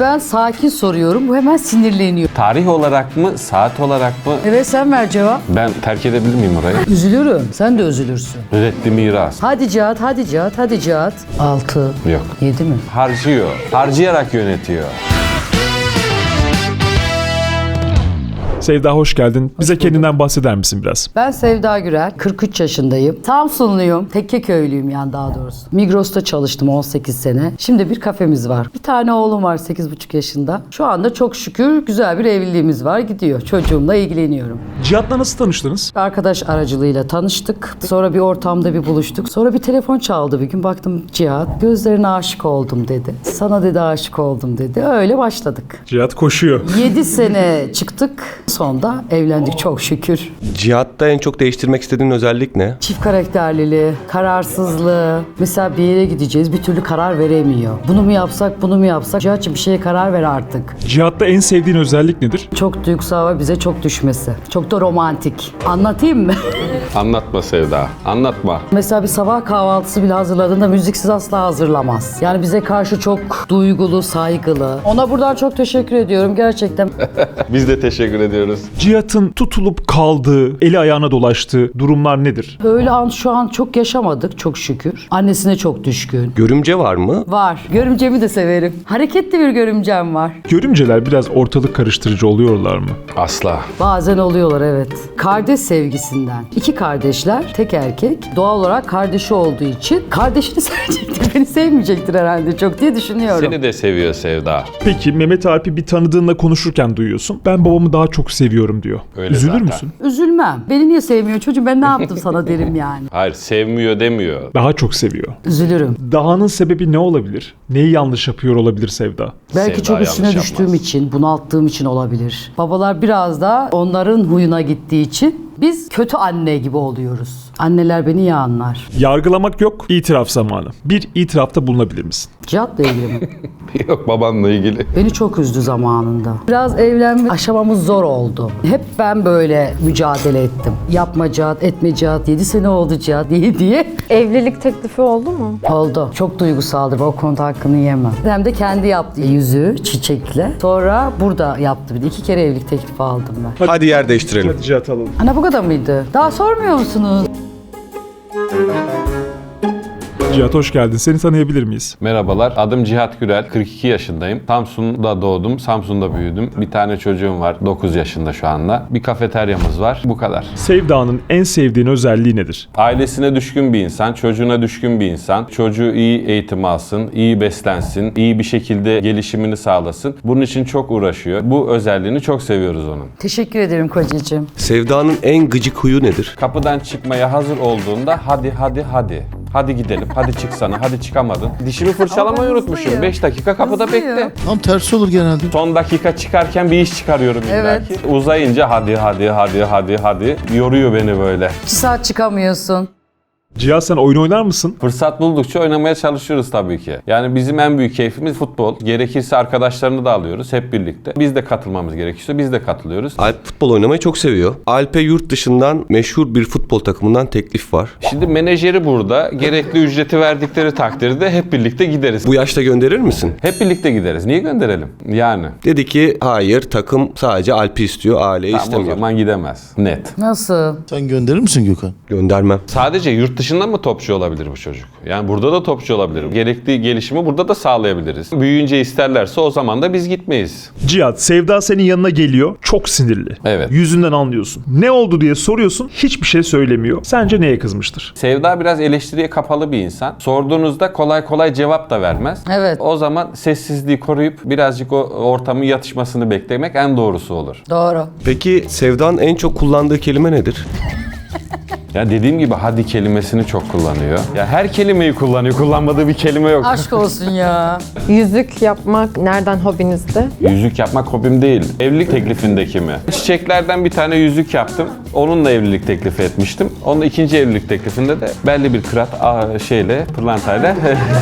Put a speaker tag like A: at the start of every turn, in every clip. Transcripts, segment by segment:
A: Ben sakin soruyorum. Bu hemen sinirleniyor.
B: Tarih olarak mı, saat olarak mı?
A: Evet sen ver cevap.
B: Ben terk edebilir miyim orayı?
A: Üzülürüm. Sen de üzülürsün.
B: Reddi miras.
A: Hadi Cihat, hadi Cihat, hadi Cihat. 6.
B: Yok.
A: 7 mi?
B: Harcıyor. Harcayarak yönetiyor.
C: Sevda hoş geldin. Bize kendinden bahseder misin biraz?
A: Ben Sevda Gürel, 43 yaşındayım. Samsunluyum, Tekkeköylüyüm yani daha doğrusu. Migros'ta çalıştım 18 sene. Şimdi bir kafemiz var. Bir tane oğlum var 8,5 yaşında. Şu anda çok şükür güzel bir evliliğimiz var, gidiyor. Çocuğumla ilgileniyorum.
C: Cihat'la nasıl tanıştınız?
A: Arkadaş aracılığıyla tanıştık. Sonra bir ortamda bir buluştuk. Sonra bir telefon çaldı bir gün. Baktım Cihat, gözlerine aşık oldum dedi. Sana dedi aşık oldum dedi. Öyle başladık.
C: Cihat koşuyor.
A: 7 sene çıktık. Sonda evlendik çok şükür.
D: Cihat'ta en çok değiştirmek istediğin özellik ne?
A: Çift karakterliliği, kararsızlığı. Mesela bir yere gideceğiz, bir türlü karar veremiyor. Bunu mu yapsak, bunu mu yapsak? Cihat'cığım bir şeye karar ver artık.
C: Cihat'ta en sevdiğin özellik nedir?
A: Çok duygusal ve bize çok düşmesi. Çok da romantik. Anlatayım mı?
B: Anlatma Sevda. Anlatma.
A: Mesela bir sabah kahvaltısı bile hazırladığında müziksiz asla hazırlamaz. Yani bize karşı çok duygulu, saygılı. Ona buradan çok teşekkür ediyorum gerçekten.
B: Biz de teşekkür ediyoruz.
C: Cihat'ın tutulup kaldığı, eli ayağına dolaştığı durumlar nedir?
A: Böyle an şu an çok yaşamadık çok şükür. Annesine çok düşkün.
D: Görümce var mı?
A: Var. Görümcemi de severim. Hareketli bir görümcem var.
C: Görümceler biraz ortalık karıştırıcı oluyorlar mı?
B: Asla.
A: Bazen oluyorlar evet. Kardeş sevgisinden. İki kardeşler, tek erkek. Doğal olarak kardeşi olduğu için kardeşini sevecektir. Beni sevmeyecektir herhalde çok diye düşünüyorum.
B: Seni de seviyor Sevda.
C: Peki Mehmet Alp'i bir tanıdığınla konuşurken duyuyorsun. Ben babamı daha çok seviyorum diyor.
B: Öyle
C: Üzülür
B: zaten.
C: müsün?
A: Üzülmem. Beni niye sevmiyor çocuğum, ben ne yaptım sana derim yani.
B: Hayır, sevmiyor demiyor.
C: Daha çok seviyor.
A: Üzülürüm.
C: Dahanın sebebi ne olabilir? Neyi yanlış yapıyor olabilir Sevda?
A: Belki
B: Sevda
A: çok üstüne
B: yanlış
A: düştüğüm
B: yapmaz.
A: için, bunalttığım için olabilir. Babalar biraz da onların huyuna gittiği için biz kötü anne gibi oluyoruz. Anneler beni iyi anlar.
C: Yargılamak yok, itiraf zamanı. Bir itirafta bulunabilir misin?
A: Cihat'la ilgili mi?
B: Yok, babanla ilgili.
A: Beni çok üzdü zamanında. Biraz evlenme aşamamız zor oldu. Hep ben böyle mücadele ettim. Yapma Cihat, etme Cihat, 7 sene oldu Cihat diye.
E: Evlilik teklifi oldu mu?
A: Oldu. Çok duygusaldır. O konuda hakkını yemem. Hem de kendi yaptı yüzüğü çiçekle. Sonra burada yaptı. Bir de 2 kere evlilik teklifi aldım ben.
D: Hadi yer değiştirelim.
C: Hadi Cihat alalım.
A: Ana bu kadar mıydı? Daha sormuyor musunuz?
C: Cihat hoş geldin. Seni tanıyabilir miyiz?
B: Merhabalar, adım Cihat Gürel, 42 yaşındayım. Samsun'da doğdum, Samsun'da büyüdüm. Bir tane çocuğum var, 9 yaşında şu anda. Bir kafeteryamız var, bu kadar.
C: Sevda'nın en sevdiğin özelliği nedir?
B: Ailesine düşkün bir insan, çocuğuna düşkün bir insan. Çocuğu iyi eğitim alsın, iyi beslensin, iyi bir şekilde gelişimini sağlasın. Bunun için çok uğraşıyor. Bu özelliğini çok seviyoruz onun.
A: Teşekkür ederim kocacığım.
D: Sevda'nın en gıcık huyu nedir?
B: Kapıdan çıkmaya hazır olduğunda hadi. Hadi gidelim, hadi çıksana, hadi çıkamadın. Dişimi fırçalamayı
A: Ama
B: unutmuşum.
A: hızlıyım.
B: 5 dakika kapıda
A: Hızlıyım.
B: bekle.
F: Tam tersi olur genelde.
B: Son dakika çıkarken bir iş çıkarıyorum
A: Evet.
B: illaki. Uzayınca hadi. Yoruyor beni böyle.
A: 2 saat çıkamıyorsun.
C: Cihat sen oyun oynar mısın?
B: Fırsat buldukça oynamaya çalışıyoruz tabii ki. Yani bizim en büyük keyfimiz futbol. Gerekirse arkadaşlarını da alıyoruz hep birlikte. Biz de katılmamız gerekiyorsa biz de katılıyoruz.
D: Alp futbol oynamayı çok seviyor. Alp'e yurt dışından meşhur bir futbol takımından teklif var.
B: Şimdi menajeri burada. Gerekli ücreti verdikleri takdirde hep birlikte gideriz.
D: Bu yaşta gönderir misin?
B: Hep birlikte gideriz. Niye gönderelim? Yani.
D: Dedi ki hayır, takım sadece Alp'i istiyor, aileyi
B: Tamam, o
D: istemiyor.
B: zaman gidemez. Net.
A: Nasıl?
F: Sen gönderir misin Gökhan?
D: Göndermem.
B: Sadece yurt dışında mı topçu olabilir bu çocuk? Yani burada da topçu olabilir. Gerekli gelişimi burada da sağlayabiliriz. Büyüyünce isterlerse o zaman da biz gitmeyiz.
C: Cihat, Sevda senin yanına geliyor. Çok sinirli.
B: Evet.
C: Yüzünden anlıyorsun. Ne oldu diye soruyorsun. Hiçbir şey söylemiyor. Sence neye kızmıştır?
B: Sevda biraz eleştiriye kapalı bir insan. Sorduğunuzda kolay kolay cevap da vermez.
A: Evet.
B: O zaman sessizliği koruyup birazcık o ortamın yatışmasını beklemek en doğrusu olur.
A: Doğru.
D: Peki Sevda'nın en çok kullandığı kelime nedir?
B: Ya dediğim gibi hadi kelimesini çok kullanıyor. Ya her kelimeyi kullanıyor. Kullanmadığı bir kelime yok.
A: Aşk olsun ya.
E: Yüzük yapmak nereden hobinizde?
B: Yüzük yapmak hobim değil. Evlilik teklifindeki mi? Çiçeklerden bir tane yüzük yaptım. Onunla evlilik teklifi etmiştim. Onun ikinci evlilik teklifinde de belli bir kırat pırlantayla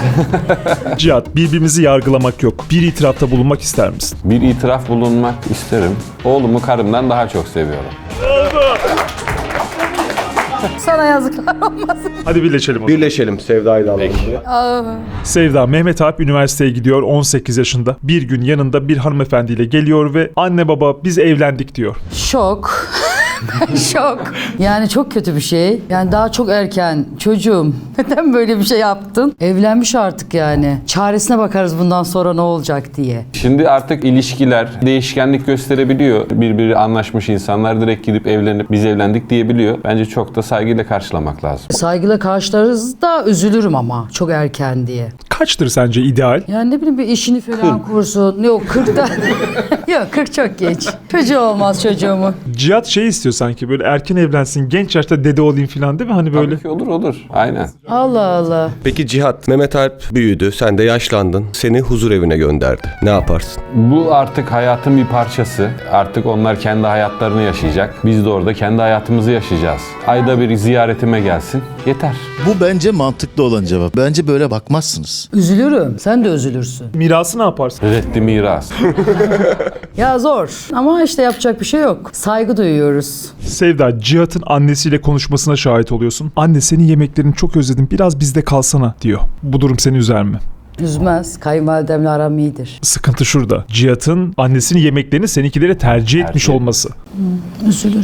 C: Cihat, birbirimizi yargılamak yok. Bir itirafta bulunmak ister misin?
B: bir itiraf bulunmak isterim. Oğlumu karımdan daha çok seviyorum.
A: Sana yazıklar olmasın.
C: Hadi birleşelim.
D: Birleşelim Sevda ile alalım.
C: Sevda, Mehmet Alp üniversiteye gidiyor 18 yaşında. Bir gün yanında bir hanımefendiyle geliyor ve anne baba biz evlendik diyor.
A: Şok. Şok. Yani çok kötü bir şey. Yani daha çok erken. Çocuğum neden böyle bir şey yaptın? Evlenmiş artık yani. Çaresine bakarız bundan sonra ne olacak diye.
B: Şimdi artık ilişkiler değişkenlik gösterebiliyor. Birbiri anlaşmış insanlar direkt gidip evlenip biz evlendik diyebiliyor. Bence çok da saygıyla karşılamak lazım.
A: Saygıyla karşılarız da üzülürüm ama çok erken diye.
C: Kaçtır sence ideal?
A: Yani ne bileyim bir işini falan kursun. Yok 40'ta. Yok 40 çok geç. Çocuğu olmaz çocuğumu.
C: Cihat şey istiyor sanki böyle erken evlensin, genç yaşta dede olayım falan değil mi? Hani böyle.
B: Tabii ki olur. Aynen.
A: Allah Allah.
D: Peki Cihat, Mehmet Alp büyüdü, sen de yaşlandın. Seni huzur evine gönderdi. Ne yaparsın?
B: Bu artık hayatın bir parçası. Artık onlar kendi hayatlarını yaşayacak. Biz de orada kendi hayatımızı yaşayacağız. Ayda bir ziyaretime gelsin. Yeter.
F: Bu bence mantıklı olan cevap. Bence böyle bakmazsınız.
A: Üzülürüm. Sen de üzülürsün.
C: Mirası ne yaparsın?
B: Reddi miras.
A: Ya zor. Ama işte yapacak bir şey yok. Saygı duyuyoruz.
C: Sevda, Cihat'ın annesiyle konuşmasına şahit oluyorsun. Anne senin yemeklerini çok özledim, biraz bizde kalsana diyor. Bu durum seni üzer mi?
A: Üzmez. Kayınvalidemle aram iyidir.
C: Sıkıntı şurada. Cihat'ın annesinin yemeklerini seninkilere tercih etmiş olması.
A: Üzülürüm.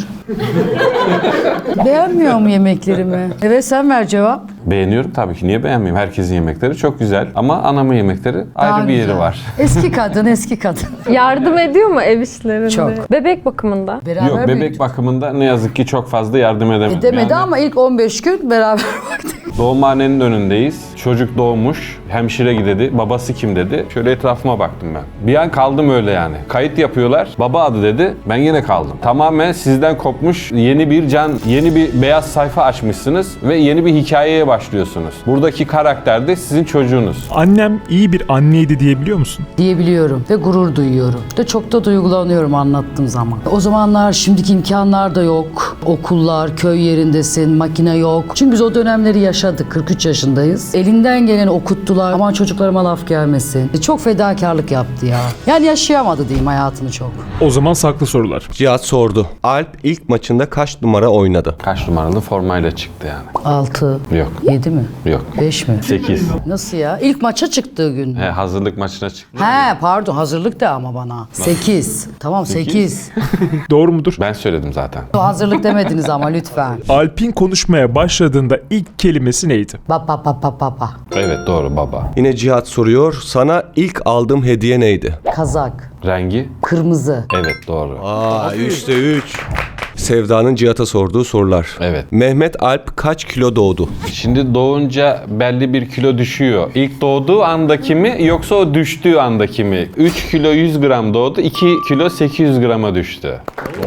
A: Beğenmiyor mu yemeklerimi? Evet sen ver cevap.
B: Beğeniyorum tabii ki. Niye beğenmeyeyim? Herkesin yemekleri çok güzel. Ama anamın yemekleri
A: Daha
B: ayrı bir yeri
A: güzel.
B: var.
A: Eski kadın, eski kadın.
E: Yardım ediyor mu ev işlerinde?
A: Çok.
E: Bebek bakımında.
A: Beraber
B: Yok, bebek
A: büyüdük.
B: bakımında ne yazık ki çok fazla yardım edemedim.
A: Demedi
B: Yani
A: ama ilk 15 gün beraber baktık.
B: doğumhanenin önündeyiz. Çocuk doğmuş. Hemşire dedi. Babası kim dedi. Şöyle etrafıma baktım ben. Bir an kaldım öyle yani. Kayıt yapıyorlar. Baba adı dedi. Ben yine kaldım. Tamamen sizden kopmuş yeni bir can, yeni bir beyaz sayfa açmışsınız ve yeni bir hikayeye başlıyorsunuz. Buradaki karakter de sizin çocuğunuz.
C: Annem iyi bir anneydi diyebiliyor musun?
A: Diyebiliyorum ve gurur duyuyorum. Ve çok da duygulanıyorum anlattığım zaman. O zamanlar şimdiki imkanlar da yok. Okullar, köy yerindesin, makine yok. Çünkü biz o dönemleri yaşadık. 43 yaşındayız. Elinden geleni okuttular. Aman çocuklarıma laf gelmesin. Çok fedakarlık yaptı ya. Yani yaşayamadı diyeyim hayatını çok.
C: O zaman saklı sorular.
D: Cihat sordu. Alp ilk maçında kaç numara oynadı?
B: Kaç numaralı formayla çıktı yani?
A: 6,
B: Yok.
A: 7 mi?
B: Yok.
A: 5 mi?
B: 8.
A: Nasıl ya? İlk maça çıktığı gün.
B: Hazırlık maçına çıktı.
A: He pardon hazırlık da ama bana. 8. Tamam 8.
C: Doğru mudur?
B: Ben söyledim zaten.
A: Hazırlık demediniz ama lütfen.
C: Alp'in konuşmaya başladığında ilk kelimesi neydi?
A: Baba.
B: Evet doğru baba.
D: Yine Cihat soruyor. Sana ilk aldığım hediye neydi?
A: Kazak.
B: Rengi?
A: Kırmızı.
B: Evet doğru.
D: Aa, 3'te 3. Sevda'nın Cihat'a sorduğu sorular.
B: Evet.
D: Mehmet Alp kaç kilo doğdu?
B: Şimdi doğunca belli bir kilo düşüyor. İlk doğduğu andaki mi yoksa o düştüğü andaki mi? 3 kilo 100 gram doğdu, 2 kilo 800 grama düştü.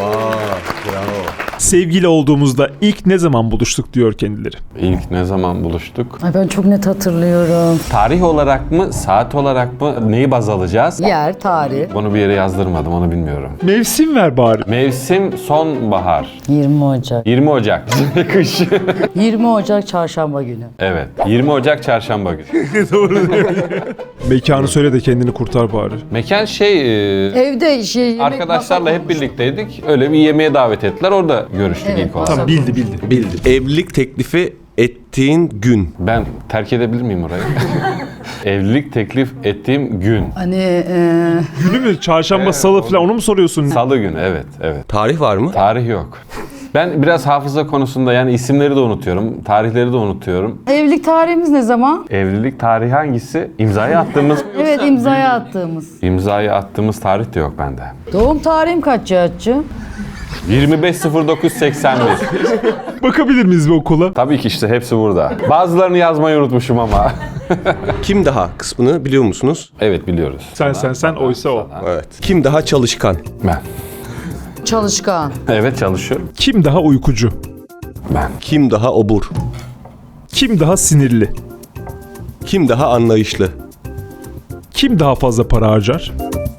C: Sevgili olduğumuzda ilk ne zaman buluştuk diyor kendileri.
B: İlk ne zaman buluştuk?
A: Ay ben çok net hatırlıyorum.
B: Tarih olarak mı, saat olarak mı neyi baz alacağız?
A: Yer, tarih.
B: Bunu bir yere yazdırmadım, onu bilmiyorum.
C: Mevsim ver bari.
B: Mevsim sonbahar.
A: 20 Ocak.
B: 20 Ocak. Kış.
A: 20 Ocak çarşamba günü.
B: Evet. 20 Ocak çarşamba günü.
C: Mekanı söyle de kendini kurtar bari.
B: Mekan
A: Evde yemek
B: arkadaşlarla
A: masa
B: hep
A: kurmuştuk.
B: birlikteydik. Öyle bir yemeğe davet ettiler. Orada görüştük
A: Evet,
B: ilk olarak.
C: Tamam bildi.
D: Bildi. Evlilik teklifi ettiğin gün.
B: Ben terk edebilir miyim orayı? Evlilik teklif ettiğim gün.
A: Hani
C: Günü mü? Çarşamba, salı falan onu mu soruyorsun?
B: Salı günü, evet.
D: Tarih var mı?
B: Tarih yok. Ben biraz hafıza konusunda yani isimleri de unutuyorum, tarihleri de unutuyorum.
A: evlilik tarihimiz ne zaman?
B: Evlilik tarihi hangisi? İmzayı attığımız
A: Evet imzaya attığımız.
B: İmzayı attığımız tarih de yok bende.
A: Doğum tarihim kaç Cihat'cığım?
B: 25.09.81.
C: Bakabilir miyiz bu okula?
B: Tabii ki işte hepsi burada. Bazılarını yazmayı unutmuşum ama.
D: Kim daha kısmını biliyor musunuz?
B: Evet biliyoruz.
C: Sen oysa o.
D: Evet. Kim daha çalışkan?
B: Ben.
A: Çalışkan.
B: Evet çalışıyorum.
C: Kim daha uykucu?
B: Ben.
D: Kim daha obur?
C: Kim daha sinirli?
D: Kim daha anlayışlı?
C: Kim daha fazla para harcar?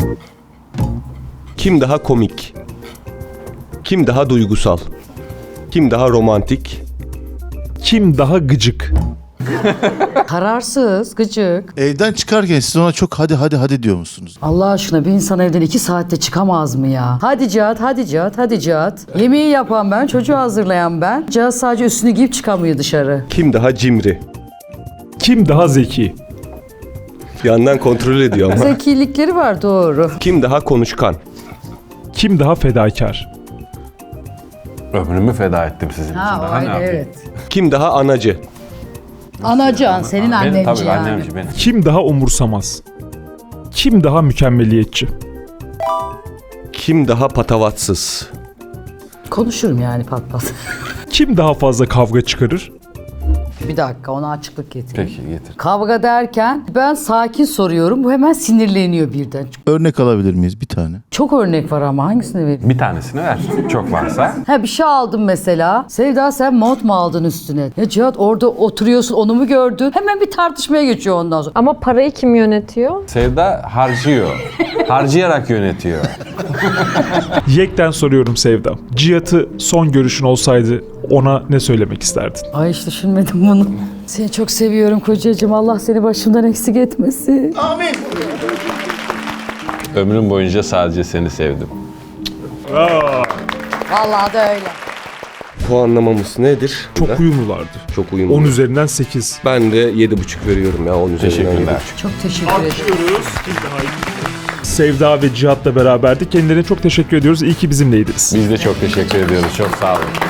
D: Kim daha komik? Kim daha duygusal? Kim daha romantik?
C: Kim daha gıcık?
A: Kararsız, gıcık.
F: Evden çıkarken siz ona çok hadi diyor musunuz?
A: Allah aşkına bir insan evden 2 saatte çıkamaz mı ya? Hadi Cihat, hadi Cihat, hadi Cihat. Yemeği yapan ben, çocuğu hazırlayan ben. Cihat sadece üstünü giyip çıkamıyor dışarı.
D: Kim daha cimri?
C: Kim daha zeki?
D: Yandan kontrol ediyor ama.
A: Zekilikleri var, doğru.
D: Kim daha konuşkan?
C: Kim daha fedakar?
B: Ömrümü feda ettim sizin için. Daha ne yapayım?
A: evet.
D: Kim daha anacı?
A: Anacan, senin
B: Benim,
A: annenci
B: tabii
A: yani.
B: annemci benim.
C: Kim daha umursamaz? Kim daha mükemmeliyetçi?
D: Kim daha patavatsız?
A: Konuşurum yani pat pat.
C: Kim daha fazla kavga çıkarır?
A: Bir dakika, ona açıklık getireyim.
B: Peki getir.
A: Kavga derken ben sakin soruyorum, bu hemen sinirleniyor birden.
F: Örnek alabilir miyiz bir tane?
A: Çok örnek var ama hangisini vereyim?
B: Bir tanesini ver. Çok varsa.
A: Ha bir şey aldım mesela. Sevda sen mont mu aldın üstüne? Ya Cihat orada oturuyorsun, onu mu gördün? Hemen bir tartışmaya geçiyor ondan sonra.
E: Ama parayı kim yönetiyor?
B: Sevda harcıyor. Harcayarak yönetiyor.
C: Yekten soruyorum Sevda. Cihat'ı son görüşün olsaydı ona ne söylemek isterdin?
A: Ay hiç düşünmedim bunu. Seni çok seviyorum kocacığım. Allah seni başımdan eksik etmesin.
B: Ömrüm boyunca sadece seni sevdim.
A: Vallahi da öyle.
D: Puanlamamız nedir?
C: Çok uyumlulardı.
D: Çok uyumlu.
C: 10 üzerinden 8.
D: Ben de 7,5 veriyorum ya 10 üzerinden.
B: Teşekkürler.
D: 7,5.
A: Çok teşekkür ederim.
C: Sevda ve Cihat'la beraberdik. Kendilerine çok teşekkür ediyoruz. İyi ki bizimleydiniz.
B: Biz de çok teşekkür ediyoruz. Çok sağ olun.